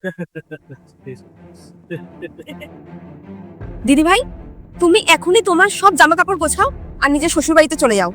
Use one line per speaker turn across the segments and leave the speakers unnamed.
দিদি ভাই, তুমি এখনই তোমার সব জামা কাপড় গোছাও আর নিজের শ্বশুর বাড়িতে চলে যাও।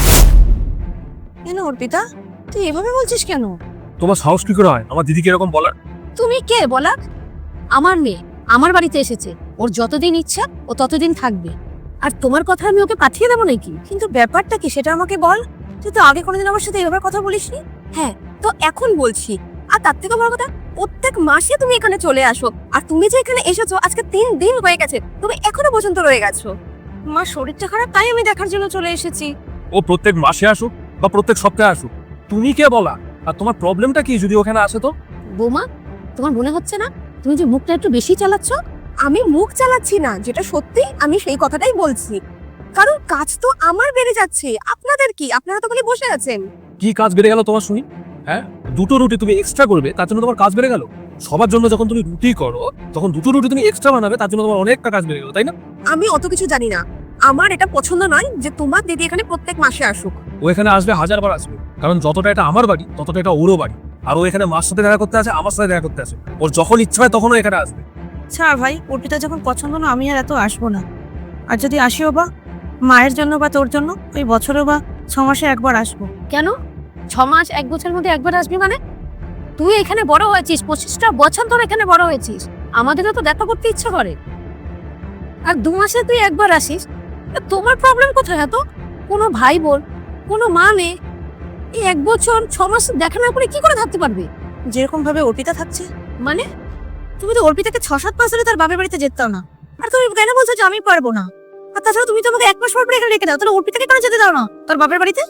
কেন অর্পিতা, তুই এভাবে বলছিস কেন?
তোমার সাহস কি করে হয় আমার দিদিকে এরকম বলার?
তুমি কে বলা? আমার মেয়ে আমার বাড়িতে এসেছে, ওর যতদিন ইচ্ছা ও ততদিন থাকবে। আর তোমার কথা আমি ওকে পাঠিয়ে দেবো নাকি? কিন্তু ব্যাপারটা কি সেটা আমাকে বল। তুই তো আগে কোনোদিন আমার সাথে এভাবে কথা বলিসনি। হ্যাঁ, তো এখন বলছি। আর তার থেকে বড় কথা, প্রত্যেক মাসে তুমি এখানে চলে আসো। আর তুমি যে এখানে এসেছো আজকে 3 দিন হয়ে গেছে, তুমি এখনো পর্যন্ত রয়ে গেছো। মার শরীরটা খারাপ, তাই আমি দেখার জন্য চলে এসেছি।
ও প্রত্যেক মাসে আসুক বা প্রত্যেক সপ্তাহে আসুক, তুমি কে বলা? আর তোমার প্রবলেমটা কি যদি ওখানে আসে তো?
বৌমা, তোমার মনে হচ্ছে না তুমি যে মুখটা একটু বেশি চালাচ্ছ? আমি মুখ চালাচ্ছি না, যেটা সত্যি আমি সেই কথাটাই বলছি। কারণ কাজ তো আমার বেড়ে যাচ্ছে, আপনাদের কি? আপনারা তো খালি বসে আছেন।
কি কাজ বেড়ে গেল তোমার শুনি? হ্যাঁ, 2টো রুটি তুমি এক্সট্রা করবে তার জন্য তোমার কাজ বেড়ে গেল? সবার জন্য যখন তুমি রুটি করো তখন 2টো রুটি তুমি এক্সট্রা বানাবে তার জন্য তোমার অনেকটা কাজ বেড়ে গেল, তাই না?
আমি অত কিছু জানি না। আমার এটা পছন্দ নয় যে তোমার দিদি এখানে প্রত্যেক মাসে আসুক।
ও এখানে আসবে 1000বার আসবে, কারণ যতটা এটা আমার বাড়ি ততটা এটা ওরও বাড়ি। আর ও এখানে মার সাথে দেখা করতে আসে, আমার সাথে দেখা করতে আসে। ওর যখন ইচ্ছা হয় তখন ও এখানে আসবে।
ছাড় ভাই, অর্পিতা যখন পছন্দ না, আমি আর এত আসবো না। আর যদি আসিও বা মায়ের জন্য বা তোর জন্য, ওই বছরে বা 6 মাসে একবার আসবো।
কেন 6 মাস 1 বছরের মধ্যে একবার আসবি মানে? তুই এখানে বড় হয়েছিস, 25টা বছর ধরে এখানে বড় হয়েছিস। আমাদেরও তো দেখা করতে ইচ্ছা করে। আর 2 মাসে তুই একবার আসিস, তা তোমার প্রবলেম কোথায়? এত কোনো ভাই বোন, কোনো মা নেই, এই 1 বছর 6 মাস দেখা না করে কি করে থাকতে পারবে?
যেরকম ভাবে অর্পিতা থাকছে,
মানে
তুমি তো অর্পিতাকে 6-7 মাস ধরে তার বাপের বাড়িতে যেতাও না। আর তুমি কেন বলছো যে আমি পারবো না? আর তাছাড়া তুমি তো আমাকে 1 মাস পর পর এখানে রেখে দাও, তাহলে অর্পিতাকে কেন যেতে দাও না তোর বাপের বাড়িতে?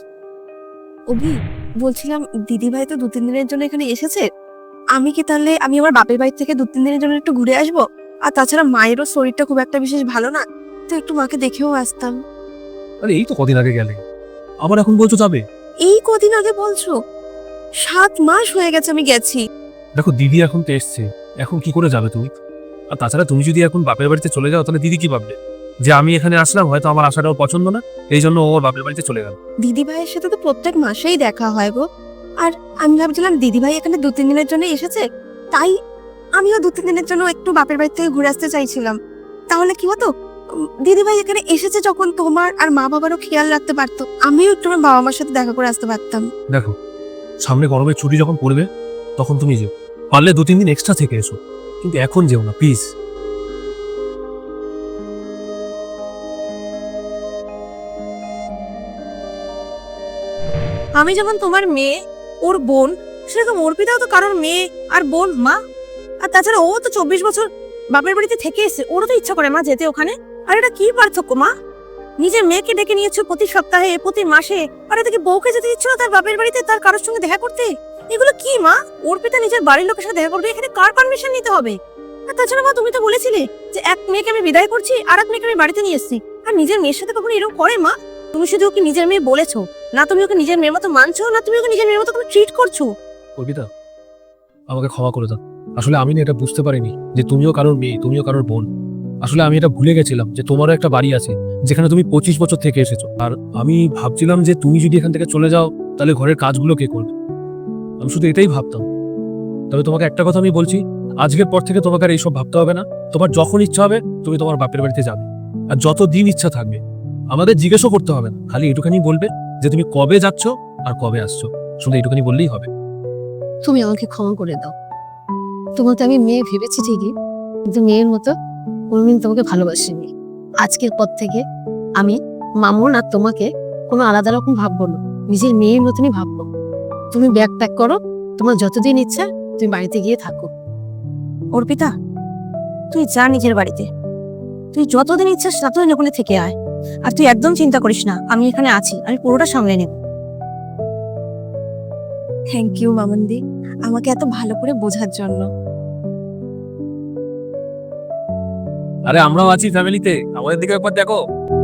অভি, বলছিলাম দিদি ভাই তো 2-3 দিনের জন্য এখানে এসেছে, আমি কি তাহলে আমি আমার বাপের বাড়ি থেকে 2-3 দিনের জন্য একটু ঘুরে আসবো? আর তাছাড়া মায়েরও শরীরটা খুব একটা বিশেষ ভালো না, তো একটু মাকে দেখেও আসতাম।
আরে এই তো কদিন আগে গেলে, আবার এখন বলছো যাবে?
এই কদিন আগে বলছো? 7 মাস হয়ে গেছে আমি গেছি।
দেখো দিদি এখন তো এসছে, এখন কি করে যাবে তুমি? আর তাছাড়া তুমি যদি এখন বাপের বাড়িতে চলে যাও তাহলে দিদি কি ভাববে? যে আমি এখানে আসলাম, হয়তো আমার আসাটাও পছন্দ না, এই জন্য ওর বাপের বাড়িতে চলে গেল।
দিদি ভাইয়ের সাথে তো প্রত্যেক মাসেই দেখা হয় গো। আর আমি ভাবছিলাম দিদি ভাই এখানে 2-3 দিনের জন্য এসেছে, তাই আমিও 2-3 দিনের জন্য একটু বাপের বাড়ি থেকে ঘুরে আসতে চাইছিলাম। তাহলে কি হতো, দিদি ভাই এখানে এসেছে যখন তোমার আর মা বাবারও খেয়াল রাখতে পারতো, আমিও একটু আমার বাবা মার সাথে দেখা করে আসতে পারতাম।
দেখো, সামনে গরমের ছুটি যখন পড়বে তখন তুমি যেও, পারলে 2-3 দিন এক্সট্রা থেকে এসো, কিন্তু এখন যেও না প্লিজ।
আমি যেমন তোমার মেয়ে, ওর বোন, সেরকম অর্পিতাও তো কারোর মেয়ে আর বোন, মা। আর তাছাড়া ও তো 24 বছর বাপের বাড়িতে থেকে এসে, ওরও তো ইচ্ছা করে মা যেতে ওখানে। আর এটা কি পার্থক্য মা? নিজের মেয়েকে ডেকে নিয়েছো প্রতি সপ্তাহে, প্রতি মাসে, আর এদিকে বউকে যেতে দিচ্ছ না তার বাপের বাড়িতে তার কারোর সঙ্গে দেখা করতে। এগুলো কি মা? অর্পিতা নিজের বাড়ির লোকের সাথে দেখা করবে, এখানে কার পারমিশন নিতে হবে? আর তাছাড়া মা, তুমি তো বলেছিলে যে এক মেয়েকে আমি বিদায় করছি আর এক মেয়েকে আমি বাড়িতে নিয়ে এসেছি। আর নিজের মেয়ের সাথে কখনো এরকম করে মা? তুমি শুধু ওকে নিজের মেয়ে বলেছো না, তুমি ওকে নিজের মেয়ের মতো মানছো না, তুমি ওকে নিজের মেয়ের মতো ট্রিট করছো।
অর্পিতা, আমাকে ক্ষমা করে দাও। আসলে আমি না এটা বুঝতে পারিনি যে তুমিও কারোর মেয়ে, তুমিও কারোর বোন। আসলে আমি এটা ভুলে গেছিলাম যে তোমারও একটা বাড়ি আছে যেখানে তুমি 25 বছর থেকে এসেছো। আর আমি ভাবছিলাম যে তুমি যদি এখান থেকে চলে যাও তাহলে ঘরের কাজগুলো কে করবে, আমি শুধু এটাই ভাবতাম। তবে তোমাকে একটা কথা আমি বলছি, আজকের পর থেকে তোমাকে আর এইসব ভাবতে হবে না। তোমার যখন ইচ্ছা হবে তুমি তোমার বাপের বাড়িতে যাবে, আর যত দিন ইচ্ছা থাকবে। আমাদের জিজ্ঞেসও করতে হবে না, খালি এটুখানি বলবে যে তুমি কবে যাচ্ছ আর কবে আসছো, শুধু এটুখানি বললেই হবে।
তুমি আমাকে ক্ষমা করে দাও। তোমাকে আমি মেয়ে ভেবেছি ঠিকই, কিন্তু মেয়ের মতো কোনোদিন তোমাকে ভালোবাসিনি। আজকের পর থেকে আমি মামুন আর তোমাকে কোনো আলাদা রকম ভাববো না, নিজের মেয়ের মতনই ভাববো। তুমি ব্যাগ প্যাক করো, তোমার যতদিন ইচ্ছা তুমি বাড়িতে গিয়ে থাকো।
অর্পিতা, তুই যা নিজের বাড়িতে, তুই যতদিন ইচ্ছা ততদিন ওখানে থেকে আয়। আর তুই একদম চিন্তা করিস না, আমি এখানে আছি, আমি পুরোটা সামলে নেব।
থ্যাংক ইউ মামুনদি, আমাকে এত ভালো করে বোঝার জন্য।
আরে আমরাও আছি ফ্যামিলিতে, আমাদের দিকে একবার দেখো।